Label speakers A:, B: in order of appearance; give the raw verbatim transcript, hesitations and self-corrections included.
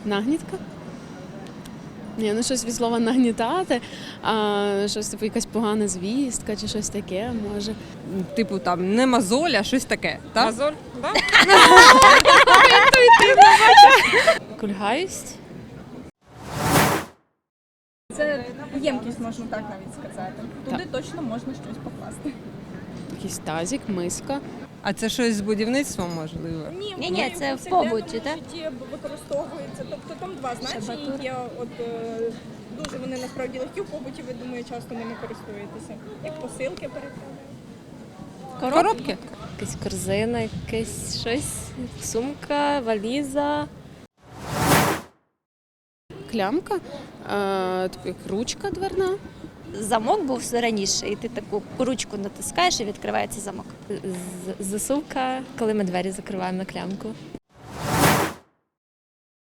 A: Нагнітка? Ні, ну щось від слова нагнітати, а щось типу якась погана звістка чи щось таке, може.
B: Типу там не мозоль, а щось таке, так?
C: Мозоль, да?
A: Кульгаюсть?
D: Це ємкість, можна так навіть сказати. Туди точно можна щось покласти.
A: Якийсь тазик, миска.
B: А це щось з будівництвом, можливо?
E: Ні, ні, це в побуті, так?
D: житті використовується. Тобто там два значення є. От е, дуже вони насправді легкі в побуті, ви думаю, часто ними користуєтеся. Як посилки переправляють.
B: Коробки?
E: Якась корзина, якесь щось, сумка, валіза.
A: Клямка, а, типу як ручка дверна.
E: Замок був раніше, і ти таку ручку натискаєш і відкривається замок. З- Засувка, коли ми двері закриваємо на клямку.